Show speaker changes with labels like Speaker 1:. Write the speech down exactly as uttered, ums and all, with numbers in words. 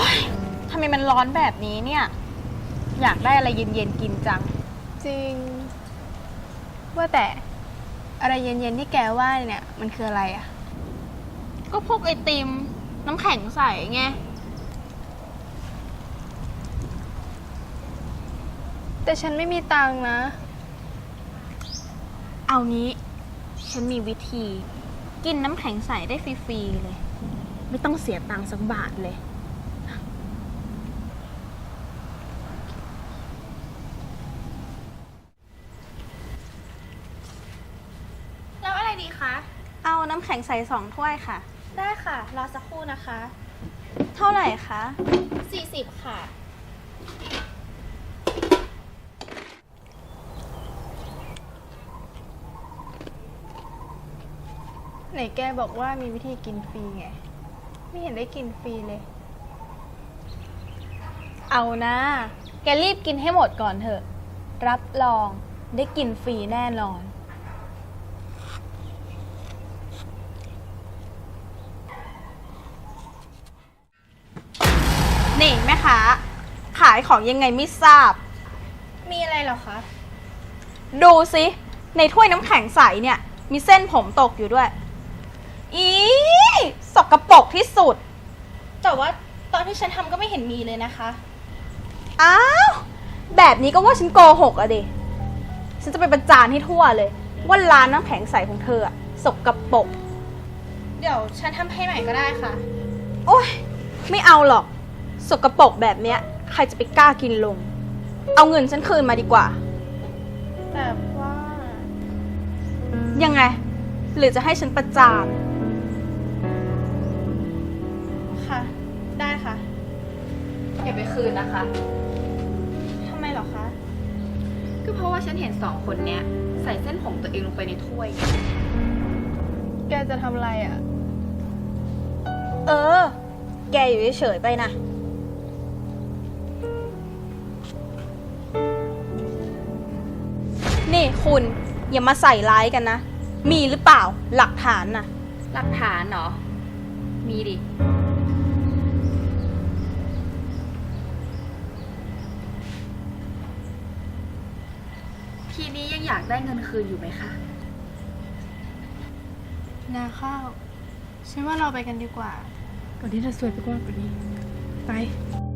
Speaker 1: ยทำไมมันร้อนแบบนี้เนี่ยอยากได้อะไรเย็นๆกินจัง
Speaker 2: จริงว่าแต่อะไรเย็นๆที่แกว่าเนี่ยมันคืออะไรอะ
Speaker 1: ก็พวกไอติมน้ำแข็งใสไง
Speaker 2: แต่ฉันไม่มีตังค์นะ
Speaker 1: เอางี้ฉันมีวิธีกินน้ำแข็งใสได้ฟรีๆเลยไม่ต้องเสียตังค์สักบาทเลยแล้วอะไรดีคะเอาน้ำแข็งใสสองถ้วยค่ะได้ค่ะรอสักครู่นะคะเท่าไหร่คะสี่สิบค่ะ
Speaker 2: ไหนแกบอกว่ามีวิธีกินฟรีไงไม่เห็นได้กินฟรีเลย
Speaker 1: เอานะแกรีบกินให้หมดก่อนเถอะรับรองได้กินฟรีแน่นอนนี่แม่ค้าขายของยังไงไม่ทราบ
Speaker 2: มีอะไรเหรอคะ
Speaker 1: ดูสิในถ้วยน้ำแข็งใสเนี่ยมีเส้นผมตกอยู่ด้วยอีสกปรกที่สุดแต่ว่าตอนที่ฉันทำก็ไม่เห็นมีเลยนะคะอ้าวแบบนี้ก็ว่าฉันโกหกอะดิฉันจะไปประจานให้ทั่วเลยว่าร้านน้ำแข็งใสของเธออะสกปรกเดี๋ยวฉันทำให้ใหม่ก็ได้ค่ะโอ๊ยไม่เอาหรอกสกปรกแบบเนี้ยใครจะไปกล้ากินลงเอาเงินฉันคืนมาดีกว่า
Speaker 2: แต่ว่า
Speaker 1: ยังไงหรือจะให้ฉันประจาน
Speaker 2: ค่ะได้ค่ะ
Speaker 3: อย่าไปคืนนะคะ
Speaker 2: ทำไมเหรอคะ
Speaker 3: ก็เพราะว่าฉันเห็นสองคนเนี้ยใส่เส้นผมตัวเองลงไปในถ้วย
Speaker 2: แกจะทำอะไรอ่ะ
Speaker 1: เออแกอยู่เฉยๆไปนะนี่คุณอย่ามาใส่ร้ายกันนะมีหรือเปล่าหลักฐานน่ะ
Speaker 3: หลักฐานเหรอมีดิทีนี้ยังอยากได้เงินคืนอยู่ไหมคะ
Speaker 2: นาข้าวฉันว่าเราไปกันดีกว่าก่อนที่จะซวยไปกว่านี้ไป